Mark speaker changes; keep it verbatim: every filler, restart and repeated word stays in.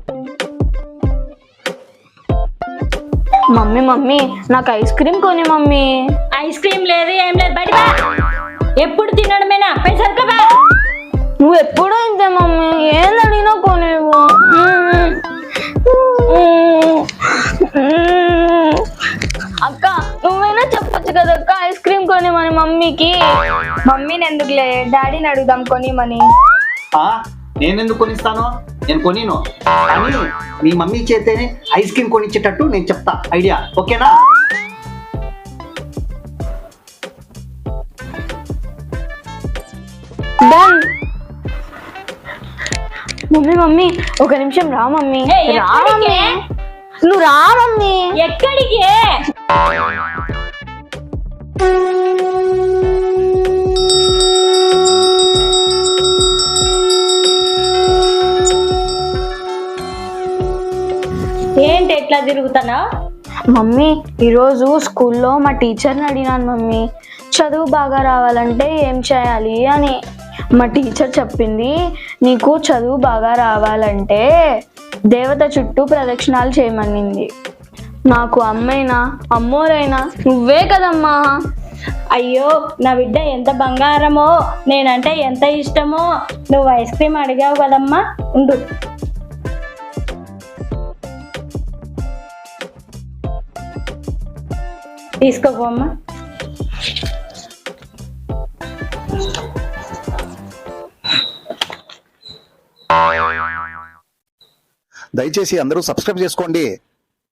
Speaker 1: Mummy mummy నాకు ice cream కొని mummy.
Speaker 2: Ice cream లేదు ఏం లేదు, బయట ఎప్పుడు తినడమేనా, పైసలు బా.
Speaker 1: నువ్వు ఎప్పుడూ ఇంతే మమ్మీ, ఏం అడిగినా కొనేవు. అక్క నువ్వైనా చెప్పొచ్చు కదా అక్క ఐస్ క్రీమ్ కొనిమని మమ్మీకి.
Speaker 3: మమ్మీని ఎందుకులే, డాడీని అడుగుదాం కొనిమని.
Speaker 4: నేనెందుకు కొనిస్తాను, నేను కొనిను. కానీ మీ మమ్మీ చేతేనే ఐస్ క్రీమ్ కొనిచ్చేటట్టు నేను చెప్తా, ఐడియా ఓకేనా?
Speaker 1: డన్. మమ్మీ మమ్మీ ఒక నిమిషం రా మమ్మీ.
Speaker 2: ఏయ్,
Speaker 1: రా
Speaker 2: ఎక్కడికి?
Speaker 1: మమ్మీ, నువ్వు రా మమ్మీ.
Speaker 2: ఎక్కడికి? ఏంటి ఎట్లా తిరుగుతానా?
Speaker 1: మమ్మీ ఈరోజు స్కూల్లో మా టీచర్ని అడిగినాను మమ్మీ, చదువు బాగా రావాలంటే ఏం చేయాలి అని. మా టీచర్ చెప్పింది, నీకు చదువు బాగా రావాలంటే దేవత చుట్టూ ప్రదక్షిణాలు చేయమనింది. నాకు అమ్మైనా అమ్మోరైనా నువ్వే కదమ్మా.
Speaker 2: అయ్యో నా బిడ్డ ఎంత బంగారమో, నేనంటే ఎంత ఇష్టమో. నువ్వు ఐస్ క్రీమ్ అడిగావు కదమ్మా, ఉండు. తీసుకోపోమ్మా.
Speaker 5: దయచేసి అందరూ సబ్స్క్రైబ్ చేసుకోండి.